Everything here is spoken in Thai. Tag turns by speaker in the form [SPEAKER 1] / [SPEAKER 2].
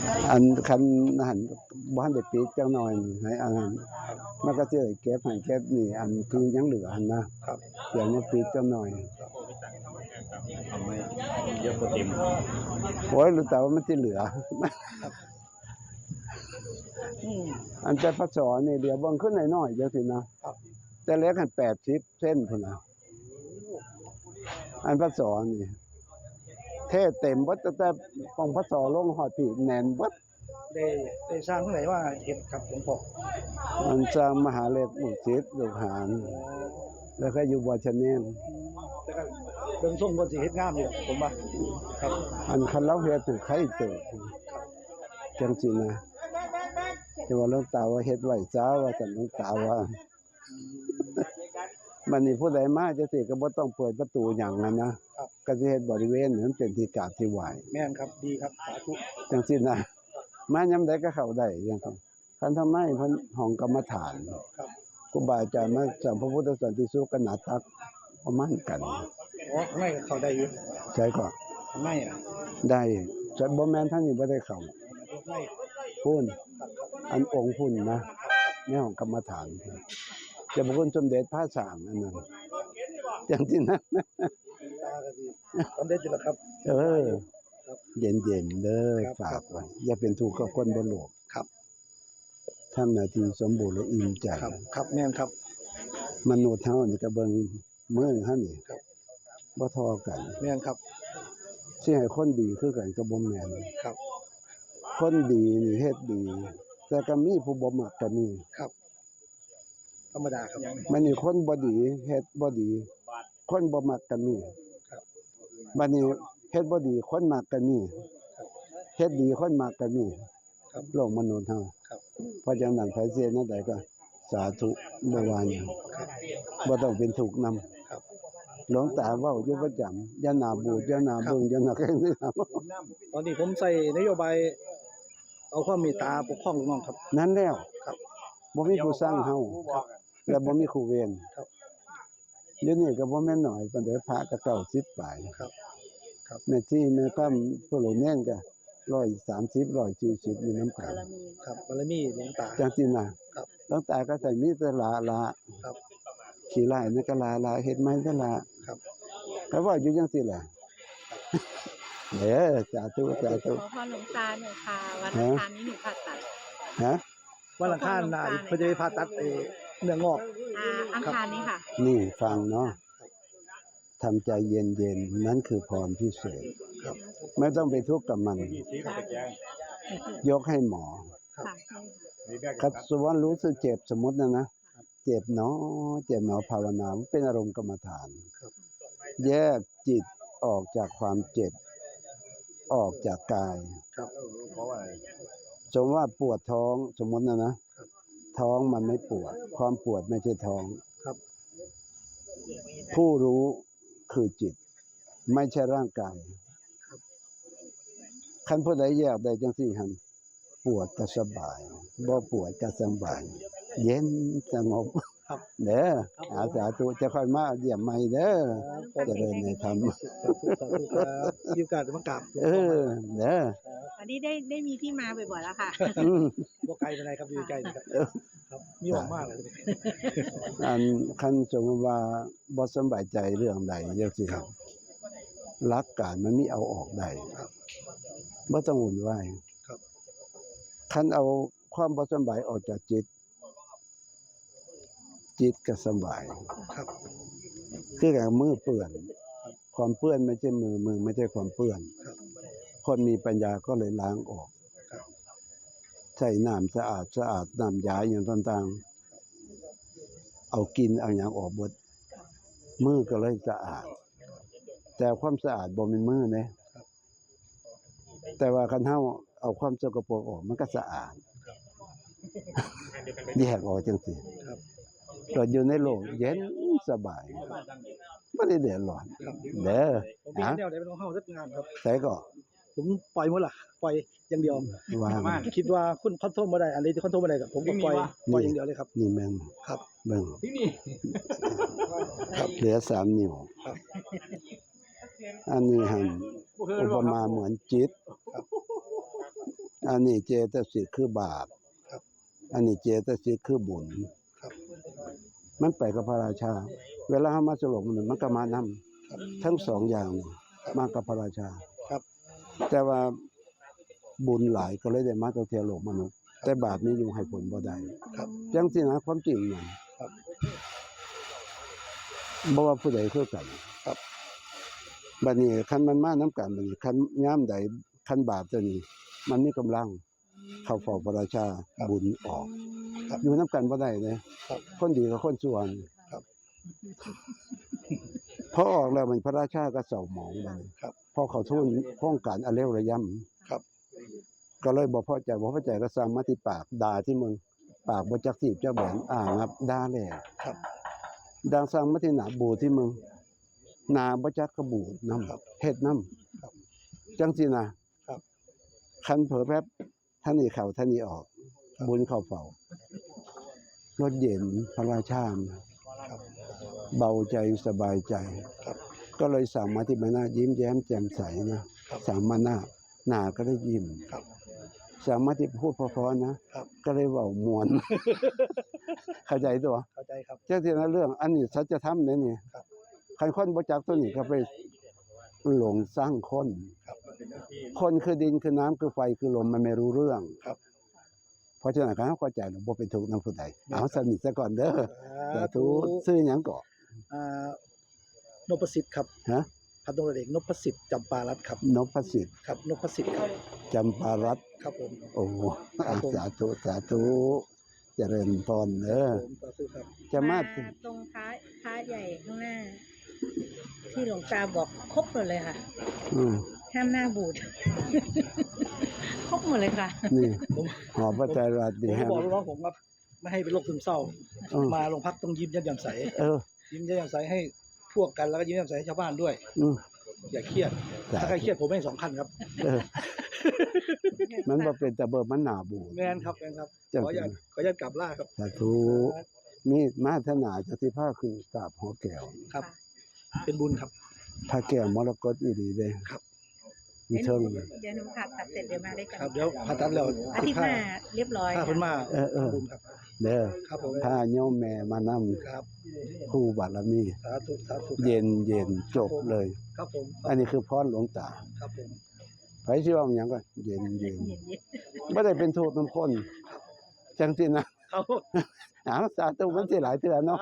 [SPEAKER 1] อันคันหันบ้านได้ปีจังหน่อยให้อันนั้นมันก็สิได้เก็บให้เก็บนี่อันที่ยังเหลือหั่นนะครับเดี๋ยวนี้ปีจังหน่อย
[SPEAKER 2] ทำไมเยอะกว่าเต็ม
[SPEAKER 1] โอ้ยรู้แต่ว่ามันสิเหลืออันแต่พศนี่เดี๋ยวเบิ่งขึ้นน้อยๆจังซี่นะแต่เล็กหัน80เส้นพุ่นน่ะอันพศนี่เทเต็มเบิดตั้งแต่ปองพศลงฮอดพี่แน่นเบิด
[SPEAKER 3] ได้สร้างเท่าไหร่ว่าเฮ็ดครับหลวงพ่อ
[SPEAKER 1] มันสร้างมหาฤทธิ์ลูกศิษย์ลูกหาแล้วก็อยู่บ่ชะแนม
[SPEAKER 3] แต่ก็เบิ่งทรงเพิ่นสิเฮ็ดงามอยู่ผมว่าครับ
[SPEAKER 1] อันคันเราเฮ็ดใครเติบจังซี่นะแต่ว่าหลวงตาว่าเฮ็ดไว้ซะว่าซั่นหลวงตาว่าบัดนี้ผู้ใดมาจังซี่ก็บ่ต้องเปิดประตูหยังนะก็สิเฮ็ดบริเวณนั้นเป็นที่กราบที่ไหว้
[SPEAKER 3] แม่นครับดีครับสาธุ
[SPEAKER 1] จังซี่นะมายามใดก็เข้าได้จังซั่นคันทางในเพิ่นห้องกรรมฐาน
[SPEAKER 3] ครับ
[SPEAKER 1] ครูบาอาจารย์มาสอนพระพุทธสันติสุขกันหนาตักประมาณกัน
[SPEAKER 3] อ๋อข้างในก็เข้าได้อยู่
[SPEAKER 1] ใช่ก็
[SPEAKER 3] ข้างใน
[SPEAKER 1] ได้แต่บ่แม่นทางนี้บ่ได้เข้าพุ่นอันองค์พุ่นนะในห้องกรรมฐานเจ้าพระคุณสมเด็จพระสร้างอันนั้นจังซี่นะ
[SPEAKER 3] ตาก็ดีสมเด็จอยู่แล้วครับ
[SPEAKER 1] เย็นๆเด้อฝากไว้อย่าเป็นทุกข์กับคนบนโลก
[SPEAKER 3] ครับ
[SPEAKER 1] ทำหน้าที่สมบูรณ์และอิ่มใจ
[SPEAKER 3] ครับแม่นครับ
[SPEAKER 1] มนุษย์เฮานี่ก็เบิ่งมื้อเฮานี่บ่เท่ากัน
[SPEAKER 3] แม่นครับ
[SPEAKER 1] สิให้คนดีคือกันก็บ่แม่น
[SPEAKER 3] ครับ
[SPEAKER 1] คนดีนี่เฮ็ดดีแต่ก็มีผู้บ่มักก็มี
[SPEAKER 3] ครับธรรมดาครับ
[SPEAKER 1] มันนี่คนบ่ดีเฮ็ดบ่ดีคนบ่มักก็มี
[SPEAKER 3] ครับ
[SPEAKER 1] บัดนี้เฮ็ดบ่ดีคนมักก็มีเฮ็ดดีคนมักก็มี
[SPEAKER 3] ครับ
[SPEAKER 1] โลกมนุษย์เฮาเพราะฉะนั้นไผเสียนั่นใดก็สาธุบ่ว่าหยังบ่ต้องเป็นทุกข์นำหลวงตาเว้าอยู่ประจำอย่าหน้าบูดอย่าหน้าเบิ่งอย่าหน้าแข็งนี่
[SPEAKER 3] ตอนนี้ผมใส่นโยบายเอาความเมตตาปกป้องน้องครับ
[SPEAKER 1] นั่นแล้ว
[SPEAKER 3] ครับ
[SPEAKER 1] บ่มีผู้สร้างเฮาและบ่มีครูเวร
[SPEAKER 3] ครับ
[SPEAKER 1] เดี๋ยวนี้ก็บ่แม่นน้อยปานใดพระก็90ปลาย
[SPEAKER 3] ครับครับ
[SPEAKER 1] แม่ชีแม่ค่ำผู้หลวงแน่นก็130 140อยู่นำกัน
[SPEAKER 3] ครับบารมีหลวงตา
[SPEAKER 1] จังซี่น่ะหลวงตาก็ใส่มีแต่ละ
[SPEAKER 3] ครับ
[SPEAKER 1] ขี้ร้ายนี่ก็ละเฮ็ดใหม่แต่ละ
[SPEAKER 3] ครับ
[SPEAKER 1] ก็ว่าอยู่จังซี่แหละสาธุสาธุ
[SPEAKER 4] ขอพรหลวงตาหน่อยค่ะวันอังคารนี้หนูผ่าตัด
[SPEAKER 3] วันอังคารน่ะเพิ่นจะไปผ่าตัดเนื้องอก
[SPEAKER 4] อังคารนี้ค่ะ
[SPEAKER 1] นี่ฟังเนาะทำใจเย็นๆนั่นคือพรพิเศษไม่ต้องไปทุกข์กับมันยกให้หมอคัดสวรรค์รู้สึกเจ็บสมมุตินะเจ็บเนาะภาวนาเป็นอารมณ์กรรมฐานแยกจิตออกจากความเจ็บออกจากกายสมมติว่าปวดท้องสมมตินะท้องมันไม่ปวดความปวดไม่ใช่ท้องผู้รู้คือจิตไม่ใช่ร่างกายคันผู้ใดแยกได้จังซี่หั่นปวดก็สบายบ่ปวดก็สบายเย็นสงบเด้อสาธุจะค่อยมาเยี่ยมใหม่เด้อเจริญในธรรม
[SPEAKER 3] สาธุครับมีโอกาสมากราบ
[SPEAKER 1] เด้อ
[SPEAKER 4] อันนี้ได้มีที่มาบ่อยๆแล้วค่ะ
[SPEAKER 3] บ่ไกลปานใดครับอยู่ใกล้ครับมีหวังมากเลย
[SPEAKER 1] อันคันสมมุติว่าบ่สบายใจเรื่องใดจังซี่หลักการมันมีเอาออกได้บ่ต้องวุ่นวายคันเอาความบ่สบายออกจากจิตก็สบายคืออย่างมือเปื้อนความเปื้อนไม่ใช่มือไม่ใช่ความเปื้อนคนมีปัญญาก็เลยล้างออกใช้น้ำสะอาดน้ำยาอย่างต่างๆเอากินเอาหยังออกหมดมือก็เลยสะอาดแต่ความสะอาดบ่แม่นมือเด้แต่ว่าคันเฮาเอาความสกปรกออกมันก็สะอาดแยกออกจังซี่เราอยู่ในโลกเย็นสบายไม่ได้เดือดร้อนเด้อ
[SPEAKER 3] ผมมีแนวไหนเป็นของเฮาสักงานครับ
[SPEAKER 1] ใส่ก็
[SPEAKER 3] ผมปล่อยหมดล่ะปล่อยอย่างเดียวคิดว่าคุณคอนโทรลบ่ได้อันนี้ที่คอนโทรลบ่ได้ก็ผมก็ปล่อยอย่างเดียวเลยครับ
[SPEAKER 1] นี่แม่น
[SPEAKER 3] ครับ
[SPEAKER 1] เบิ่งครับเหลือ3นิ้วอันนี้หั่นอุปมาเหมือนจิตอันนี้เจตสิกคือบาป
[SPEAKER 3] ครับ
[SPEAKER 1] อันนี้เจตสิกคือบุญ
[SPEAKER 3] ครับ
[SPEAKER 1] มันไปกับพระราชา เวลาเฮามาสลบมันก็มานำ
[SPEAKER 3] ครับ
[SPEAKER 1] ทั้งสองอย่างนี่มากับพระราชา
[SPEAKER 3] ครับ
[SPEAKER 1] แต่ว่าบุญหลายก็เลยได้มาตัวเทียโลกมนุษย์ แต่บาปนี้อยู่ให้ผลบ่ได้
[SPEAKER 3] ครับ
[SPEAKER 1] จังสินะความจริงน่ะ
[SPEAKER 3] ครับ
[SPEAKER 1] บ่ว่าผู้ใดคือกัน
[SPEAKER 3] ครับ
[SPEAKER 1] บัดนี้คันมันมานํกันบัดนี้คันยามใดคันบาปตัวนี้ มันมีกำลังเข้าเฝ้าพระราชาบุญออก
[SPEAKER 3] ครับ
[SPEAKER 1] อยู่นํกันบ่ได้เลย
[SPEAKER 3] ครับ
[SPEAKER 1] คนดีกับคนชั่วนี่
[SPEAKER 3] ครับ
[SPEAKER 1] พอออกแล้วมันพระราชาก็เศร้าหมองบัดนี้
[SPEAKER 3] ครับ
[SPEAKER 1] พอเขาทูลโครงการอเลวระยำ
[SPEAKER 3] ครับ
[SPEAKER 1] ก็เลยบ่พอใจก็สั่งมาที่ปากด่าที่มึงปากบ่จักทีบจักแบนงับด่าแล้ว
[SPEAKER 3] ครับ
[SPEAKER 1] ดังสั่งมาที่หน้าบูดที่มึงหน้าบ่จักก็บูดนำ
[SPEAKER 3] ครับ
[SPEAKER 1] เฮ็ดนำ
[SPEAKER 3] ครับ
[SPEAKER 1] จังซี่นะครับ คันเผลอแป๊บท่านนี้เข้าท่านนี้ออก
[SPEAKER 3] ครับ
[SPEAKER 1] บุญเข้าเฝ้ารถเย็นพระราชา
[SPEAKER 3] ครับ
[SPEAKER 1] เบาใจสบายใจ
[SPEAKER 3] ครับ
[SPEAKER 1] ก็เลยสั่งมาที่ใบหน้ายิ้มแย้มแจ่มใสนะครับ สั่งมาหน้าก็ได้ยิ้ม
[SPEAKER 3] ครับ
[SPEAKER 1] สั่งมาที่พูดเพราะๆนะครับ ก็เลยเว้ามวน เข้าใจตัว
[SPEAKER 3] เข้าใจครับ
[SPEAKER 1] จังซี่นะเรื่องอันนี้สัจธรรมเนี่ยนี่
[SPEAKER 3] ครับ
[SPEAKER 1] คันคนบ่จักตัวนี้ก็ไปหลงสร้างคน
[SPEAKER 3] ครับ
[SPEAKER 1] คนคือดินคือน้ำคือไฟคือลมมันไม่รู้เรื่อง
[SPEAKER 3] ครับ
[SPEAKER 1] เพราะฉะนั้นการเข้าใจแล้วบ่เป็นทุกข์นำผู้ใดเอาสนิทซะก่อนเด้อสาธุ
[SPEAKER 3] สาธุ
[SPEAKER 1] ซื้อหยังก่อ
[SPEAKER 3] นพสิทธิ์ครับ
[SPEAKER 1] ฮะ
[SPEAKER 3] พันตำรวจเอกนพสิทธิ์จำปารัตน์ครับ
[SPEAKER 1] นพสิทธิ์
[SPEAKER 3] ครับนพสิทธิ์ครับ
[SPEAKER 1] จำปารัตน์
[SPEAKER 3] ครับผม
[SPEAKER 1] โอ้
[SPEAKER 3] ครับผม
[SPEAKER 1] สาธุสาธุเจริญพรเด้อ
[SPEAKER 3] ผมสาธุครับ
[SPEAKER 1] จะมา
[SPEAKER 4] ตรงพระใหญ่ข้างหน้า ที่หลวงตาบอกครบหมดเลยค่ะ
[SPEAKER 1] อืม
[SPEAKER 4] ห้ามหน้าบูด ครบหมดเลยค่ะ
[SPEAKER 1] นี่
[SPEAKER 3] ผม
[SPEAKER 1] หอพระไตรรัตน์
[SPEAKER 3] ผ
[SPEAKER 1] ดี
[SPEAKER 3] ม
[SPEAKER 1] แฮม
[SPEAKER 3] บอกลูกน้องผมว่าไม่ให้เป็นโรคซึมเศร้า
[SPEAKER 1] เออ
[SPEAKER 3] มาโรงพักต้องยิ้มแย้มแจ่มใส
[SPEAKER 1] เออ
[SPEAKER 3] ยิ้มแย้มแจ่มใสให้พวกกันแล้วก็ยิ้มแย้มใสให้ชาวบ้านด้วย
[SPEAKER 1] อืม
[SPEAKER 3] อย่าเครียด
[SPEAKER 1] จ้ะ
[SPEAKER 3] ถ้าใครเครียดผมให้2 คันครับ
[SPEAKER 1] เออ มันบ่เป็นแต่เบิดมันหน้าบูด
[SPEAKER 3] แมนครับแมนครับ
[SPEAKER 1] จัง
[SPEAKER 3] ขออนุญาตขออนุญาตกลับล่าครับ
[SPEAKER 1] สาธุมีมาถนาจะสิพาคือกราบหอแก้ว
[SPEAKER 3] ครับ เป็นบุญครับ
[SPEAKER 1] พระแก้วมรกตอีหลีเด้
[SPEAKER 3] ครับ
[SPEAKER 1] มีเทิง
[SPEAKER 4] เดี๋ยวหนูผ่าตัดเสร็จเดี๋ยวมาได้กัน
[SPEAKER 3] ครับเดี๋ยวผ่าตัดแล้ว
[SPEAKER 4] อาทิตย์หน้าเรียบร้อย
[SPEAKER 3] ถ้าเพิ่นมา
[SPEAKER 1] เออ
[SPEAKER 3] บุญครับ
[SPEAKER 1] เด้อ
[SPEAKER 3] ครับผม
[SPEAKER 1] ถ้าโยมแม่มานำ
[SPEAKER 3] ครับ
[SPEAKER 1] ครูบารมี
[SPEAKER 3] สาธุสาธุ
[SPEAKER 1] เย็นจบเลย
[SPEAKER 3] ครับผม
[SPEAKER 1] อันนี้คือพรหลวงตา
[SPEAKER 3] ครับผม
[SPEAKER 1] ไผสิว่าหยังก็เย็นบ่ได้เป็นโทษนำคนจังซี่นะครับ เอาสาธุมันสิหลายเทื่อเนาะ